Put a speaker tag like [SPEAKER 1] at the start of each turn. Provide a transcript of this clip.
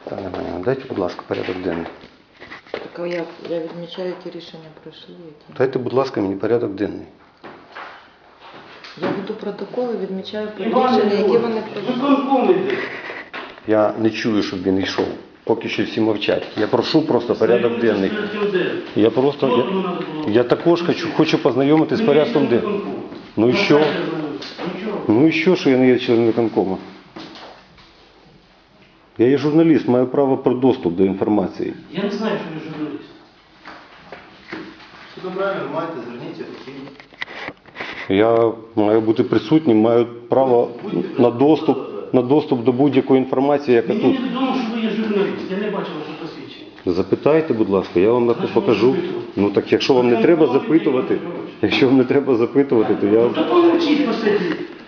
[SPEAKER 1] Пане Іванівна, дайте, будь ласка, порядок денний.
[SPEAKER 2] Так а я відмічаю, які рішення пройшли. Які...
[SPEAKER 1] Дайте, будь ласка, мені порядок денний.
[SPEAKER 2] Я веду протоколи, відмічаю рішення, які вони пройшли.
[SPEAKER 1] Я не чую, щоб він йшов. Поки що всі мовчать. Я прошу просто порядок денний. Я також хочу познайомитись з порядком денним. Ну і що? Ну і що я не є членом виконкому? Я є журналіст, маю право про доступ до інформації.
[SPEAKER 3] Я не знаю, що ви журналіст.
[SPEAKER 4] Все добре, маєте, зверніться офіційно.
[SPEAKER 1] Я маю бути присутнім, маю право на доступ до будь-якої інформації, яка
[SPEAKER 3] Мені
[SPEAKER 1] тут.
[SPEAKER 3] невідомо, що ви є журналіст. Я не бачив ваше посвідчення.
[SPEAKER 1] Запитайте, будь ласка, я вам покажу. Ну так якщо вам не треба запитувати, то я...
[SPEAKER 3] Та помовчіть посидіть.